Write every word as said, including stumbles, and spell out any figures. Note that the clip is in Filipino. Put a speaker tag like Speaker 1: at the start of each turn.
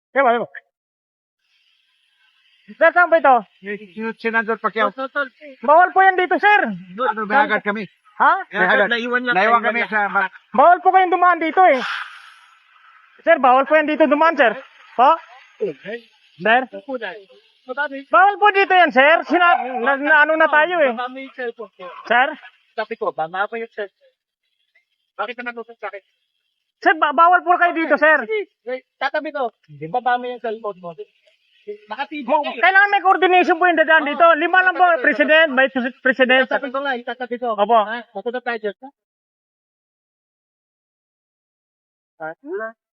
Speaker 1: Kaya ba? Sir, saan ba ito?
Speaker 2: Senador Pacquiao.
Speaker 1: Bawal po yan dito, sir.
Speaker 2: Doon, may agad kami.
Speaker 1: Ha?
Speaker 2: May agad.
Speaker 3: Naiwan lang.
Speaker 2: Naiwan kami sa...
Speaker 1: Bawal po kayong dumaan dito eh. Sir, bawal po yan dito dumaan, sir. Po? Sir? Bawal po dito yan, sir. Sina na, na, ano na tayo eh.
Speaker 3: Baka may cellphone ko.
Speaker 1: Sir?
Speaker 3: Sabi ko, baka pa yung cellphone. Bakit ka natutok sa akin?
Speaker 1: Sir, ba bawal po kayo dito, sir.
Speaker 3: Wait, tatabi ko. Di ba ba may yung cellphone mo? Nakatibig
Speaker 1: Mo,
Speaker 3: ka eh.
Speaker 1: kailangan may coordination po yung dadaan dito. Lima lang po, President, Vice President.
Speaker 3: Tatabi ko nga, itatabi ko.
Speaker 1: Opo.
Speaker 3: Ha? Matunod tayo dyan. Ha?